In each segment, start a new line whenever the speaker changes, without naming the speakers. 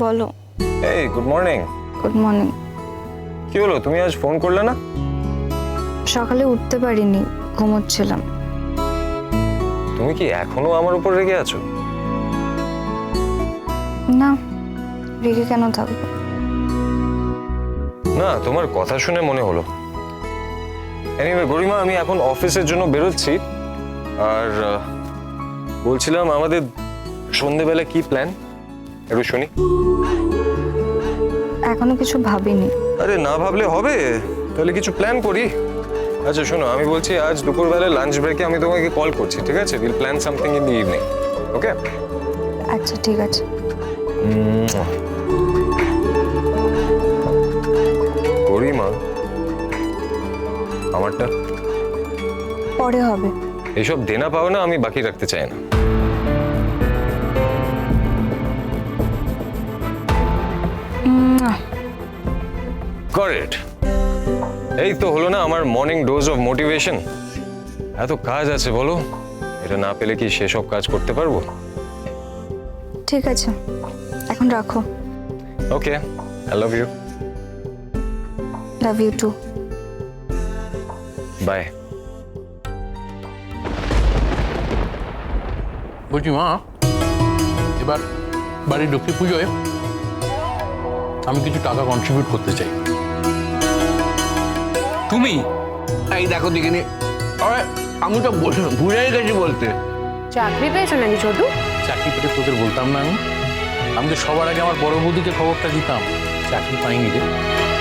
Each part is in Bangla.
বলো।
এই গুড মর্নিং।
Good morning.
কি হলো, তুমি আজ ফোন করলে না?
সকালে উঠতে পারিনি, ঘুমোচ্ছিলাম।
তুমি কি এখনো আমার উপর রেগে আছো?
না, রেগে কেন থাকবো?
না, তোমার কথা শুনে মনে হলো। এনিওয়ে গরিমা, আমি এখন অফিসের জন্য বেরোচ্ছি। আর বলছিলাম আমাদের সন্ধেবেলা কি প্ল্যান, একটু শুনি।
এখনো কিছু ভাবিনি।
আরে না ভাবলে হবে, তাহলে কিছু প্ল্যান করি। আচ্ছা শোনো, আমি বলছি আজ দুপুরবেলা লাঞ্চ ব্রেকে আমি তোমাকে কল করছি, ঠিক আছে? Will plan something in the evening, okay?
আচ্ছা ঠিক আছে।
গরিমা, আমারটা
পরে হবে।
এইসব দেনা পাও না আমি বাকি রাখতে চাই না। করেক্ট। এই তো হলো না আমার মর্নিং ডোজ অফ মোটিভেশন। এত কাজ আছে বলো, এটা না পেলে কি সেসব কাজ করতে পারবো?
ঠিক আছে, এখন রাখো।
Okay, I love you.
Love you too.
Bye.
বলছি মা, এবার বাড়ির লক্ষ্মী পুজোয় আমি কিছু টাকা কন্ট্রিবিউট করতে চাই।
তুমি এই দেখো দেখিনি, আরে আমি তো ভুলেই গেছি বলতে।
চাকরি পেয়েছো নাকি ছোটু?
চাকরি পেতে তোদের বলতাম না আমি? আমি তো সবার আগে আমার বড় বৌদিকে খবরটা দিতাম। চাকরি পাইনি রে।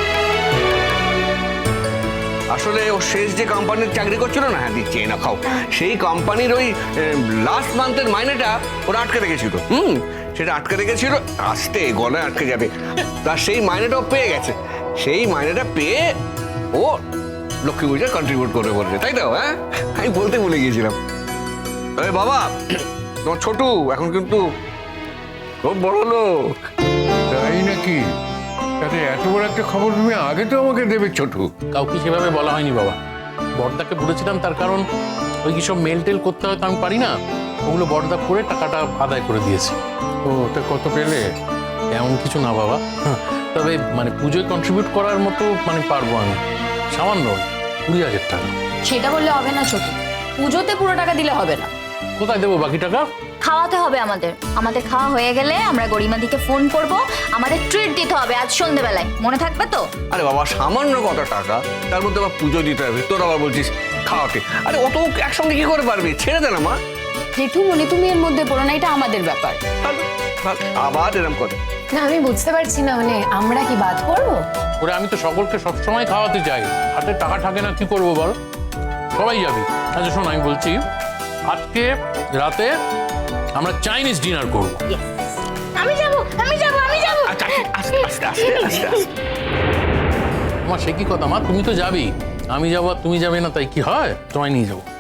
আসলে ও শেষ যে কোম্পানির চাকরি করছিল না, হ্যাঁ দিচ্ছে না খাও, সেই কোম্পানির ওই লাস্ট মান্থের মাইনেটা ওরা আটকে রেখেছিল। সেটা আটকে রেখেছিল, আসতে গলায় আটকে যাবে। তার সেই মাইনেটাও পেয়ে গেছে। সেই মাইনেটা পেয়ে ও লক্ষ্মী পূজায় কন্ট্রিবিউট করবে বলছে, তাই তো? হ্যাঁ, আমি বলতে ভুলে গিয়েছিলাম। আরে বাবা, তোমার ছোটু এখন কিন্তু খুব বড় লোক।
তাই নাকি? তাতে এত বড় একটা খবর তুমি আগে তো আমাকে দেবে ছোটু।
কাউকে সেভাবে বলা হয়নি বাবা। বড়দাকে বলেছিলাম, তার কারণ ওই কি সব মেল টেল করতে হয় তো আমি পারি না, ওগুলো বড়দা করে টাকাটা আদায় করে দিয়েছে।
ও তা কত পেলে?
এমন কিছু না বাবা, তবে মানে পুজোয় কন্ট্রিবিউট করার মতো মানে পারবো আমি, সামান্য 20,000 টাকা।
সেটা বললে হবে না ছোটু, পুজোতে পুরো টাকা দিলে হবে না।
কোথায় দেবো বাকি টাকা?
খাওয়াতে হবে আমাদের খাওয়া হয়ে গেলে আমরা গরিমাদিকে ফোন করব, আমাদের ট্রিট দিতে হবে আজ সন্ধ্যেবেলায়, মনে থাকবে তো?
আরে বাবা, সামান্য কত টাকা, তার মধ্যে আবার পুজো দিতে হবে, তোর আবার বলছিস খাওয়াতে। আরে অত একসঙ্গে কি করে পারবি? ছেড়ে দে না মা।
জেঠুমনি তুমি এর মধ্যে পড়ো না, এটা আমাদের ব্যাপার।
আবার এরকম করে
না আমি বুঝতে পারছি না, মানে আমরা কি বাদ করবো?
ওরে আমি তো সকলকে সবসময় খাওয়াতে চাই, হাতে টাকা থাকে না, কি করবো বল? সবাই যাবি। আচ্ছা শোন, আমি বলছি আজকে রাতে আমরা চাইনিজ ডিনার করবো।
আমি যাব।
আস্তে আস্তে আস্তে আস্তে আস্তে।
তোমার সে কি কথা মা, তুমি তো যাবি, আমি যাবো আর তুমি যাবে না, তাই কি হয়? তোমায় নিয়ে যাবো।